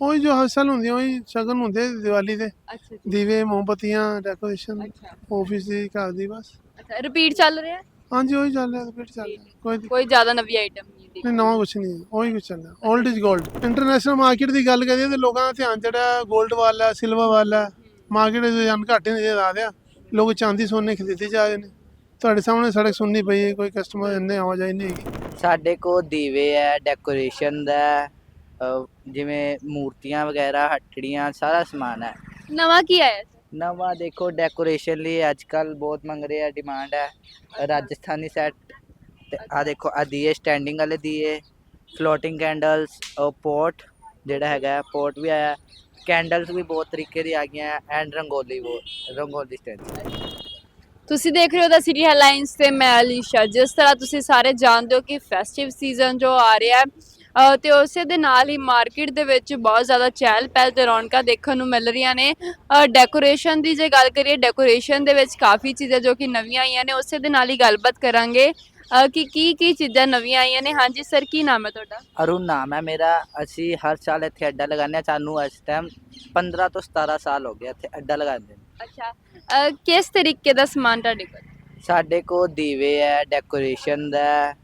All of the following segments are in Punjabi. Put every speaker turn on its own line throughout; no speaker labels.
ਉਹੀ ਜੋ ਹਰ ਸਾਲ ਹੁੰਦੀਆਂ ਉਹੀ ਸ਼ਗਨ ਹੁੰਦੇ ਦੀਵਾਲੀ ਦੇ
ਅੱਛਾ ਜੀ।
ਦੀਵੇ ਮੋਮਬੱਤੀਆਂ ਡੈਕੋਰੇਸ਼ਨ
ਅੱਛਾ
ਆਫਿਸ ਦੀ ਘਰ ਦੀ ਬਸ
ਅੱਛਾ, ਰਿਪੀਟ ਚੱਲ ਰਿਹਾ ਹੈ?
ਹਾਂਜੀ ਉਹੀ ਚੱਲ ਰਿਹਾ ਰਿਪੀਟ ਚੱਲ ਰਿਹਾ ਕੋਈ
ਕੋਈ ਜ਼ਿਆਦਾ ਨਵੀਂ ਆਈਟਮ ਨਹੀਂ
ਨਹੀਂ
ਦੇਖੀ।
ਨਵਾਂ ਕੁਛ ਨਹੀਂ ਹੈ ਉਹੀ ਕੁਛ ਚੱਲ ਰਿਹਾ 올ਡ ਇਜ਼ 골ਡ ਇੰਟਰਨੈਸ਼ਨਲ ਮਾਰਕੀਟ ਦੀ ਗੱਲ ਕਰੀਏ ਤੇ ਲੋਕਾਂ ਦਾ ਧਿਆਨ ਜਿਹੜਾ 골ਡ ਵੱਲ ਹੈ ਸਿਲਵਰ ਵੱਲ ਹੈ ਮਾਰਕੀਟ ਦੇ ਰੁਝਾਨ ਘੱਟ ਹੀ ਨਜ਼ਰ ਆ ਰਿਹਾ ਲੋਕ ਚਾਂਦੀ ਸੋਨੇ ਖਰੀਦੇ ਜਾ ਰਹੇ ਨੇ ਤੁਹਾਡੇ ਸਾਹਮਣੇ ਸੜਕ ਸੁਣਨੀ ਪਈ ਹੈ ਕੋਈ ਕਸਟਮਰ ਇੰਨੇ ਆਵਾਜਾਈ ਨਹੀਂ ਹੈਗੀ
ਸਾਡੇ ਕੋਲ ਦੀਵੇ ਹੈ ਡੈਕੋਰੇਸ਼ਨ ਦਾ ਹੈ, ਜਿਵੇਂ ਮੂਰਤੀਆਂ ਵਗੈਰਾ ਹੱਟੜੀਆਂ ਸਾਰਾ ਸਮਾਨ ਹੈ।
ਨਵਾਂ ਕੀ ਆਇਆ?
ਨਵਾਂ ਦੇਖੋ ਡੈਕੋਰੇਸ਼ਨ ਲਈ ਅੱਜ ਕੱਲ ਬਹੁਤ ਮੰਗ ਰਹੇ ਆ ਡਿਮਾਂਡ ਹੈ ਰਾਜਸਥਾਨੀ ਸੈੱਟ ਤੇ ਆ ਦੇਖੋ ਆ ਦੀਏ ਸਟੈਂਡਿੰਗ ਵਾਲੇ ਦੀਏ ਫਲੋਟਿੰਗ ਕੈਂਡਲਸ ਪੋਟ ਜਿਹੜਾ ਹੈਗਾ ਪੋਟ ਵੀ ਆਇਆ ਕੈਂਡਲਸ ਵੀ ਬਹੁਤ ਤਰੀਕੇ ਦੀ ਆ ਗਈਆਂ ਐਂਡ ਰੰਗੋਲੀ ਸਟੈਂਡ।
ਤੁਸੀਂ ਦੇਖ ਰਹੇ ਹੋ ਦਾ ਸਿਟੀ ਹੈਡਲਾਈਨਸ ਤੇ ਮੈਂ ਅਲੀਸ਼ਾ। ਜਿਸ ਤਰ੍ਹਾਂ ਤੁਸੀਂ ਸਾਰੇ ਜਾਣਦੇ ਹੋ ਕਿ ਫੈਸਟਿਵ ਸੀਜ਼ਨ ਜੋ ਆ ਰਿਹਾ ਹੈ ਤੇ ਉਸੇ ਦੇ ਨਾਲ ਹੀ ਮਾਰਕੀਟ ਦੇ ਵਿੱਚ ਬਹੁਤ ਜ਼ਿਆਦਾ ਚਹਿਲ ਪਹਿਲ ਤੇ ਰੌਣਕਾਂ ਦੇਖਣ ਨੂੰ ਮਿਲ ਰਹੀਆਂ ਨੇ। ਡੈਕੋਰੇਸ਼ਨ ਦੀ ਜੇ ਗੱਲ ਕਰੀਏ ਡੈਕੋਰੇਸ਼ਨ ਦੇ ਵਿੱਚ ਕਾਫੀ ਚੀਜ਼ਾਂ ਜੋ ਕਿ ਨਵੀਆਂ ਆਈਆਂ ਨੇ ਉਸੇ ਦੇ ਨਾਲ ਹੀ ਗੱਲਬਾਤ ਕਰਾਂਗੇ ਕਿ ਕੀ ਚੀਜ਼ਾਂ ਨਵੀਆਂ ਆਈਆਂ ਨੇ। ਹਾਂਜੀ ਸਰ, ਕੀ ਨਾਮ ਹੈ ਤੁਹਾਡਾ?
ਅਰੁਣ ਨਾਮ ਹੈ ਮੇਰਾ। ਅਸੀਂ ਹਰ ਸਾਲ ਇੱਥੇ ਅੱਡਾ ਲਗਾਉਂਦੇ ਹਾਂ। ਸਾਨੂੰ ਇਸ ਟਾਈਮ 15 ਤੋਂ 17 ਸਾਲ ਹੋ ਗਏ ਇੱਥੇ ਅੱਡਾ ਲਗਾਉਂਦੇ ਨੇ।
ਅੱਛਾ, ਕਿਸ ਤਰੀਕੇ ਦਾ ਸਮਾਨ ਤੁਹਾਡੇ ਕੋਲ?
ਸਾਡੇ ਕੋਲ ਦੀਵੇ ਹੈ ਡੈਕੋਰੇਸ਼ਨ ਦਾ ਹੈ,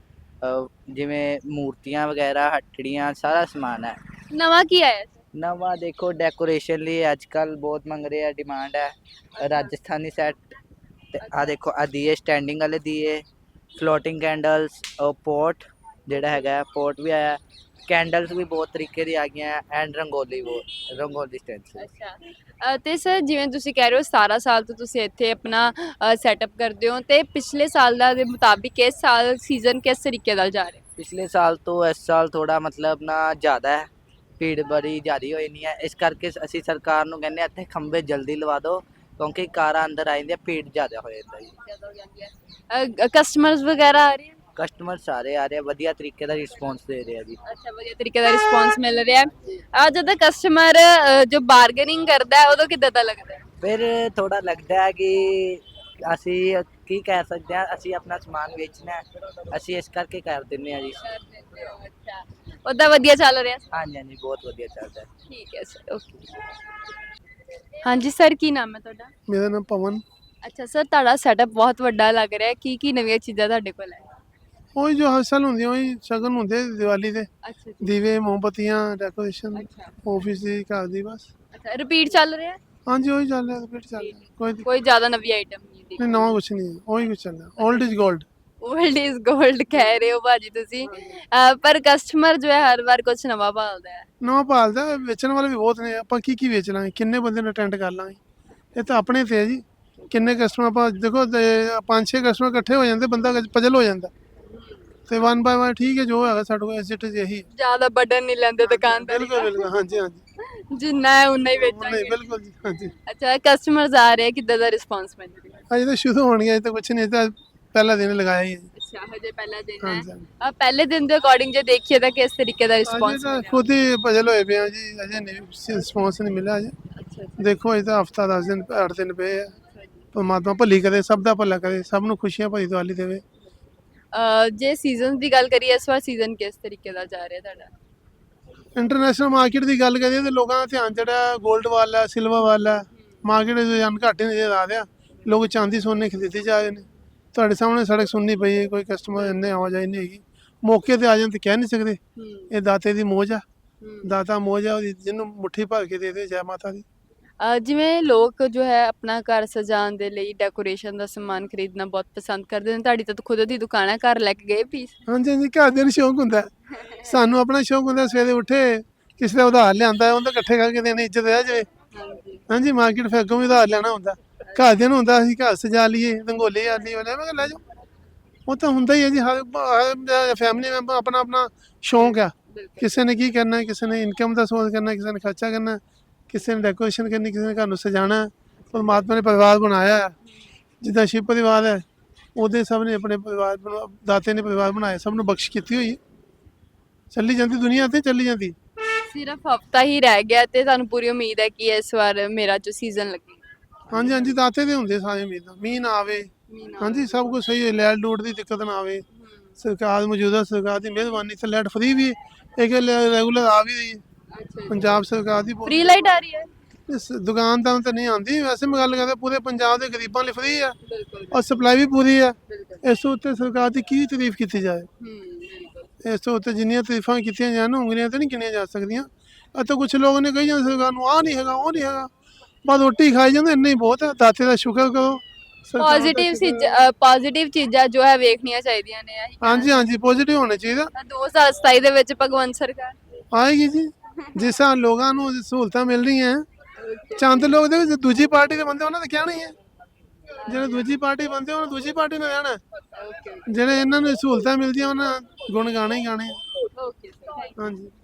ਜਿਵੇਂ ਮੂਰਤੀਆਂ ਵਗੈਰਾ ਹੱਟੜੀਆਂ ਸਾਰਾ ਸਮਾਨ ਹੈ।
ਨਵਾਂ ਕੀ ਆਇਆ?
ਨਵਾਂ ਦੇਖੋ ਡੈਕੋਰੇਸ਼ਨ ਲਈ ਅੱਜ ਕੱਲ ਬਹੁਤ ਮੰਗ ਰਹੇ ਆ ਡਿਮਾਂਡ ਹੈ ਰਾਜਸਥਾਨੀ ਸੈੱਟ ਤੇ ਆ ਦੇਖੋ ਆ ਦੀਏ ਸਟੈਂਡਿੰਗ ਵਾਲੇ ਦੀਏ ਫਲੋਟਿੰਗ ਕੈਂਡਲਸ ਪੋਟ ਜਿਹੜਾ ਹੈਗਾ ਪੋਟ ਵੀ ਆਇਆ ਕੈਂਡਲਸ ਵੀ ਬਹੁਤ ਤਰੀਕੇ ਦੀ ਆ ਗਈਆਂ ਐਂਡ ਰੰਗੋਲੀ ਸਟੈਂਡ।
ਅੱਛਾ, ਤੇ ਸਰ ਜਿਵੇਂ ਤੁਸੀਂ ਕਹਿ ਰਹੇ ਹੋ 17 ਸਾਲ ਤੋਂ ਤੁਸੀਂ ਇੱਥੇ ਆਪਣਾ ਸੈਟਅਪ ਕਰਦੇ ਹੋ ਤੇ ਪਿਛਲੇ ਸਾਲ ਦਾ ਦੇ ਮੁਤਾਬਿਕ ਇਸ ਸਾਲ ਸੀਜ਼ਨ ਕਿਸ ਤਰੀਕੇ ਨਾਲ ਜਾ ਰਿਹਾ?
ਪਿਛਲੇ ਸਾਲ ਤੋਂ ਇਸ ਸਾਲ ਥੋੜਾ ਮਤਲਬ ਨਾ ਜ਼ਿਆਦਾ ਹੈ ਭੀੜ ਬੜੀ ਜ਼ਿਆਦਾ ਹੋਈ ਨਹੀਂ ਹੈ ਇਸ ਕਰਕੇ ਅਸੀਂ ਸਰਕਾਰ ਨੂੰ ਕਹਿੰਦੇ ਇੱਥੇ ਖੰਭੇ ਜਲਦੀ ਲਵਾ ਦਿਓ ਕਿਉਂਕਿ ਕਾਰਾਂ ਅੰਦਰ ਆ ਜਾਂਦੀਆਂ ਭੀੜ ਜ਼ਿਆਦਾ ਹੋ ਜਾਂਦਾ ਜੀ।
ਕਸਟਮਰਸ ਵਗੈਰਾ ਆ ਰਹੇ?
ਕਸਟਮਰ ਸਾਰੇ ਆ ਰਹੇ ਵਧੀਆ ਤਰੀਕੇ ਦਾ ਰਿਸਪੌਂਸ ਦੇ ਰਹੇ ਆ ਜੀ।
ਅੱਛਾ, ਵਧੀਆ ਤਰੀਕੇ ਦਾ ਰਿਸਪੌਂਸ ਮਿਲ ਰਿਹਾ ਹੈ। ਜਦੋਂ ਕਸਟਮਰ ਜੋ ਬਾਰਗੇਨਿੰਗ ਕਰਦਾ ਹੈ ਉਦੋਂ ਕਿੱਦਾਂ ਦਾ ਲੱਗਦਾ ਹੈ?
ਫਿਰ ਥੋੜਾ ਲੱਗਦਾ ਹੈ ਕਿ ਅਸੀਂ ਕੀ ਕਹਿ ਸਕਦੇ ਹਾਂ ਅਸੀਂ ਆਪਣਾ ਸਮਾਨ ਵੇਚਣਾ ਹੈ ਅਸੀਂ ਇਸ ਕਰਕੇ ਕਰ ਦਿੰਦੇ ਹਾਂ ਜੀ।
ਅੱਛਾ, ਉਹਦਾ ਵਧੀਆ ਚੱਲ ਰਿਹਾ?
ਹਾਂਜੀ ਹਾਂਜੀ ਬਹੁਤ ਵਧੀਆ ਚੱਲਦਾ ਹੈ।
ਠੀਕ ਹੈ ਸਰ, ਓਕੇ। ਹਾਂਜੀ ਸਰ, ਕੀ ਨਾਮ ਹੈ ਤੁਹਾਡਾ?
ਮੇਰਾ ਨਾਮ ਪਵਨ
ਅੱਛਾ ਸਰ, ਤੁਹਾਡਾ ਸੈਟਅਪ ਬਹੁਤ ਵੱਡਾ ਲੱਗ ਰਿਹਾ ਹੈ। ਕੀ ਨਵੀਆਂ ਚੀਜ਼ਾਂ ਤੁਹਾਡੇ ਕੋਲ ਹੈ?
ਉਹੀ ਜੋ ਹਰ ਸਾਲ ਹੁੰਦੀਆਂ ਉਹੀ ਸ਼ਗਨ ਹੁੰਦੇ ਦੀਵਾਲੀ ਦੇ
ਅੱਛਾ ਜੀ।
ਦੀਵੇ ਮੋਮਬੱਤੀਆਂ ਡੈਕੋਰੇਸ਼ਨ
ਅੱਛਾ
ਆਫਿਸ ਦੀ ਘਰ ਦੀ ਬਸ
ਅੱਛਾ, ਰਿਪੀਟ ਚੱਲ ਰਿਹਾ ਹੈ?
ਹਾਂਜੀ ਉਹੀ ਚੱਲ ਰਿਹਾ ਰਿਪੀਟ ਚੱਲ ਰਿਹਾ ਕੋਈ
ਕੋਈ ਜ਼ਿਆਦਾ ਨਵੀਂ ਆਈਟਮ ਨਹੀਂ ਦੇਖੀ।
ਨਹੀਂ ਨਵਾਂ ਕੁਛ ਨਹੀਂ ਹੈ ਉਹੀ ਕੁਛ ਚੱਲ ਰਿਹਾ 올ਡ ਇਜ਼ 골ਡ
올ਡ ਇਜ਼ 골ਡ ਕਹਿ ਰਹੇ ਹੋ ਭਾਜੀ ਤੁਸੀਂ, ਪਰ ਕਸਟਮਰ ਜੋ ਹੈ ਹਰ ਵਾਰ ਕੁਝ ਨਵਾਂ ਭਾਲਦਾ ਹੈ।
ਨਵਾਂ ਭਾਲਦਾ ਵੇਚਣ ਵਾਲੇ ਵੀ ਬਹੁਤ ਨੇ ਆਪਾਂ ਕੀ ਵੇਚ ਲਾਂਗੇ ਕਿੰਨੇ ਬੰਦੇ ਨੂੰ ਅਟੈਂਡ ਕਰ ਲਾਂਗੇ ਇਹ ਤਾਂ ਆਪਣੇ ਤੇ ਹੈ ਜੀ ਕਿੰਨੇ ਕਸਟਮਰ ਆਪਾਂ ਦੇਖੋ 5-6 ਕਸਟਮਰ ਇਕੱਠੇ ਹੋ ਜਾਂਦੇ ਬੰਦਾ ਪਜਲ ਹੋ ਜਾਂਦਾ ਤੇ 1 ਬਾਏ 1 ਠੀਕ ਹੈ ਜੋ ਹੈਗਾ ਸਾਡੇ ਕੋਲ ਐਸਿਟ ਇਹੀ
ਜ਼ਿਆਦਾ ਬਟਨ ਨਹੀਂ ਲੈਂਦੇ ਦੁਕਾਨਦਾਰ।
ਬਿਲਕੁਲ ਹਾਂਜੀ ਹਾਂਜੀ
ਜਿੰਨਾ ਹੈ ਉਨਾ ਹੀ
ਨਹੀਂ
ਵੇਚਾਂਗੇ।
ਬਿਲਕੁਲ ਜੀ ਹਾਂਜੀ
ਅੱਛਾ, ਕਸਟਮਰਸ ਆ ਰਹੇ ਕਿੱਦਾਂ ਦਾ ਰਿਸਪੌਂਸ ਮਿਲ ਰਿਹਾ?
ਅਜੇ ਤਾਂ ਸ਼ੁਰੂ ਹੋਣੀ ਹੈ ਅਜੇ ਤਾਂ ਕੁਛ ਨਹੀਂ ਤਾਂ ਪਹਿਲਾ ਦਿਨ ਲਗਾਇਆ ਹੀ ਹੈ ਜੀ
ਅੱਛਾ, ਹਜੇ ਪਹਿਲਾ ਦਿਨ ਹੈ।
ਹਾਂਜੀ ਹਾਂਜੀ
ਪਹਿਲੇ ਦਿਨ ਦੇ ਅਕੋਰਡਿੰਗ ਜੇ ਦੇਖੀਏ ਤਾਂ ਕਿਸ ਤਰੀਕੇ ਦਾ
ਅਜੇ
ਰਿਸਪੌਂਸ
ਤਾਂ
ਮਿਲਿਆ?
ਖੁਦ ਹੀ ਪਜਲ ਹੋਏ ਪਏ ਆ ਜੀ ਅਜੇ ਨਹੀਂ ਰਿਸਪੌਂਸ ਨਹੀਂ ਮਿਲਿਆ ਅਜੇ
ਅੱਛਾ
ਦੇਖੋ ਅਜੇ ਤਾਂ ਹਫਤਾ 10 ਦਿਨ 8 ਦਿਨ ਪਏ ਆ ਪਰਮਾਤਮਾ ਭਲੀ ਕਰੇ ਸਭ ਦਾ ਭਲਾ ਕਰੇ ਸਭ ਨੂੰ ਖੁਸ਼ੀਆਂ ਭਰੀ ਦੀਵਾਲੀ ਦੇਵੇ
ਜੇ ਸੀਜ਼ਨ ਦੀ ਗੱਲ ਕਰੀਏ ਇਸ ਵਾਰ ਸੀਜ਼ਨ ਕਿਸ ਤਰੀਕੇ ਦਾ ਜਾ ਰਿਹਾ ਤੁਹਾਡਾ?
ਇੰਟਰਨੈਸ਼ਨਲ ਮਾਰਕੀਟ ਦੀ ਗੱਲ ਕਰੀਏ ਤੇ ਲੋਕਾਂ ਦਾ ਧਿਆਨ ਜਿਹੜਾ 골ਡ ਵੱਲ ਹੈ ਸਿਲਵਰ ਵੱਲ ਹੈ ਮਾਰਕੀਟ ਦੇ ਰੁਝਾਨ ਘੱਟ ਹੀ ਨਜ਼ਰ ਆ ਰਿਹਾ ਲੋਕ ਚਾਂਦੀ ਸੋਨੇ ਖਰੀਦੇ ਜਾ ਰਹੇ ਨੇ ਤੁਹਾਡੇ ਸਾਹਮਣੇ ਸੜਕ ਸੁਣਨੀ ਪਈ ਹੈ ਕੋਈ ਕਸਟਮਰ ਇੰਨੇ ਆਵਾਜਾਈ ਨਹੀਂ ਹੈਗੀ ਮੌਕੇ ਤੇ ਆ ਜਾਣ ਤੇ ਕਹਿ ਨਹੀਂ ਸਕਦੇ ਇਹ ਦਾਤੇ ਦੀ ਮੋਜ ਆ ਦਾਤਾ ਮੋਜ ਆ ਉਹਦੀ ਜਿਹਨੂੰ ਮੁੱਠੀ ਭਰ ਕੇ ਦੇ ਦੇ ਜੈ ਮਾਤਾ ਦੀ।
ਜਿਵੇਂ ਲੋਕ ਜੋ ਹੈ ਆਪਣਾ ਘਰ ਸਜਾਉਣ ਦੇ ਲਈ ਡੈਕੋਰੇਸ਼ਨ ਦਾ ਸਮਾਨ ਖਰੀਦਣਾ ਬਹੁਤ ਪਸੰਦ ਕਰਦੇ ਨੇ। ਤੁਹਾਡੀ ਤਾਂ ਖੁਦ ਦੀ ਦੁਕਾਨ ਹੈ, ਘਰ ਲੈ ਕੇ ਗਏ ਪੀਸ?
ਹਾਂਜੀ ਹਾਂਜੀ ਘਰਦਿਆਂ ਨੂੰ ਸ਼ੌਂਕ ਹੁੰਦਾ ਸਾਨੂੰ ਆਪਣਾ ਸ਼ੌਂਕ ਹੁੰਦਾ ਸਵੇਰੇ ਉੱਠੇ ਕਿਸੇ ਦਾ ਉਧਾਰ ਲਿਆਂਦਾ ਉਹਦਾ ਇਕੱਠੇ ਕਰਕੇ ਦੇਣੀ ਇੱਜ਼ਤ ਰਹਿ ਜਾਵੇ। ਹਾਂਜੀ ਮਾਰਕੀਟ ਫਿਰ ਅੱਗੋਂ ਵੀ ਉਧਾਰ ਲੈਣਾ ਹੁੰਦਾ ਘਰਦਿਆਂ ਨੂੰ ਹੁੰਦਾ ਅਸੀਂ ਘਰ ਸਜਾ ਲਈਏ ਰੰਗੋਲੀ ਆ ਲਈ ਮੈਂ ਕਿਹਾ ਲੈ ਜਾਓ ਉਹ ਤਾਂ ਹੁੰਦਾ ਹੀ ਹੈ ਜੀ ਹਰ ਫੈਮਿਲੀ ਮੈਂਬਰ ਆਪਣਾ ਆਪਣਾ ਸ਼ੌਂਕ ਆ ਕਿਸੇ ਨੇ ਕੀ ਕਰਨਾ ਕਿਸੇ ਨੇ ਇਨਕਮ ਦਾ ਸੋਰਸ ਕਰਨਾ ਕਿਸੇ ਨੇ ਖਰਚਾ ਕਰਨਾ ਕਿਸੇ ਨੇ ਡੈਕੋਰੇਸ਼ਨ ਕਰਨੀ ਕਿਸੇ ਨੇ ਘਰ ਨੂੰ ਸਜਾਉਣਾ ਪਰਮਾਤਮਾ ਨੇ ਪਰਿਵਾਰ ਬਣਾਇਆ ਜਿੱਦਾਂ ਸ਼ਿਵ ਪਰਿਵਾਰ ਹੈ ਉਹਦੇ ਸਭ ਨੇ ਆਪਣੇ ਪਰਿਵਾਰ ਦਾਤੇ ਨੇ ਪਰਿਵਾਰ ਬਣਾਇਆ ਸਭ ਨੂੰ ਬਖਸ਼ ਕੀਤੀ ਹੋਈ ਚੱਲੀ ਜਾਂਦੀ ਦੁਨੀਆ ਤੇ ਚੱਲੀ ਜਾਂਦੀ।
ਸਿਰਫ ਹਫਤਾ ਹੀ ਰਹਿ ਗਿਆ ਤੇ ਤੁਹਾਨੂੰ ਪੂਰੀ ਉਮੀਦ ਹੈ ਕਿ ਇਸ ਵਾਰ ਮੇਰਾ ਜੋ ਸੀਜ਼ਨ ਲੱਗੇਗਾ?
ਹਾਂਜੀ ਹਾਂਜੀ ਦਾਤੇ ਦੇ ਹੁੰਦੇ ਸਾਰੇ ਉਮੀਦਾਂ ਮੀਂਹ ਨਾ ਆਵੇ ਹਾਂਜੀ ਸਭ ਕੁਝ ਸਹੀ ਹੈ ਲਾਈਟ ਲੂਟ ਦੀ ਦਿੱਕਤ ਨਾ ਆਵੇ ਸਰਕਾਰ ਮੌਜੂਦਾ ਸਰਕਾਰ ਦੀ ਮਿਹਰਬਾਨੀ ਤੇ ਲਾਈਟ ਫਰੀ ਵੀ ਹੈ ਇਹ ਰੈਗੂਲਰ ਆ ਵੀ ਰਹੀ ਹੈ ਪੰਜਾਬ ਸਰਕਾਰ ਦੀ ਬਹੁਤ-
ਫ੍ਰੀ ਲਾਈਟ ਆ ਰਹੀ ਹੈ
ਇਸ ਦੁਕਾਨਦਾਰਾਂ ਤੇ ਨਹੀਂ ਆਉਂਦੀ, ਵੈਸੇ ਮੈਂ ਗੱਲ ਕਰਦਾ ਪੂਰੇ ਪੰਜਾਬ ਦੇ ਗਰੀਬਾਂ ਲਈ ਫ੍ਰੀ ਆ ਔਰ ਸਪਲਾਈ ਵੀ ਪੂਰੀ ਆ। ਇਸ ਤੋਂ ਉੱਤੇ ਸਰਕਾਰ ਦੀ ਕੀ ਤਾਰੀਫ ਕੀਤੀ ਜਾਏ, ਇਸ ਤੋਂ ਉੱਤੇ ਜਿੰਨੀਆਂ ਤਾਰੀਫਾਂ ਕੀਤੀਆਂ ਜਾਣ ਉਂਗਲੀਆਂ ਤੇ ਨਹੀਂ ਗਿਣੀਆਂ ਜਾ ਸਕਦੀਆਂ। ਅਤੇ ਕੁਝ ਲੋਕ ਨੇ ਕਹੀ ਜਾਂਦੇ ਸਰਕਾਰ ਨੂੰ ਆਹ ਨਹੀਂ ਹੈਗਾ ਉਹ ਨਹੀਂ ਹੈਗਾ, ਬਸ ਰੋਟੀ ਖਾਈ ਜਾਂਦੇ, ਇੰਨਾ ਹੀ ਬਹੁਤ ਹੈ। ਦਾਤੇ ਦਾ ਸ਼ੁਕਰ ਕਰੋ। ਸਰਕਾਰ ਦਾ
ਪੋਜ਼ਿਟਿਵ ਚੀਜ਼ਾਂ ਜੋ ਹੈ ਵੇਖਣੀਆਂ ਚਾਹੀਦੀਆਂ ਨੇ ਇਹੀ
ਹਾਂਜੀ ਹਾਂਜੀ ਪੋਜ਼ਿਟਿਵ ਹੋਣਾ ਚਾਹੀਦਾ।
2027 ਦੇ ਵਿੱਚ ਭਗਵੰਤ ਸਰਕਾਰ
ਆਏਗੀ ਜੀ, ਜਿਸ ਤਰ੍ਹਾਂ ਲੋਕਾਂ ਨੂੰ ਸਹੂਲਤਾਂ ਮਿਲ ਰਹੀਆਂ, ਚੰਦ ਲੋਕ ਦੇ ਵਿੱਚ ਦੂਜੀ ਪਾਰਟੀ ਦੇ ਬੰਦੇ ਉਹਨਾਂ ਦਾ ਕਹਿਣਾ ਹੀ ਹੈ, ਜਿਹੜੇ ਦੂਜੀ ਪਾਰਟੀ ਬੰਦੇ ਉਹਨਾਂ ਦੂਜੀ ਪਾਰਟੀ ਨਾਲ ਰਹਿਣਾ, ਜਿਹੜੇ ਇਹਨਾਂ ਨੂੰ ਸਹੂਲਤਾਂ ਮਿਲਦੀਆਂ ਉਹਨਾਂ ਗੁਣ ਗਾਣੇ ਹੀ ਗਾਣੇ।
ਓਕੇ
ਹਾਂਜੀ।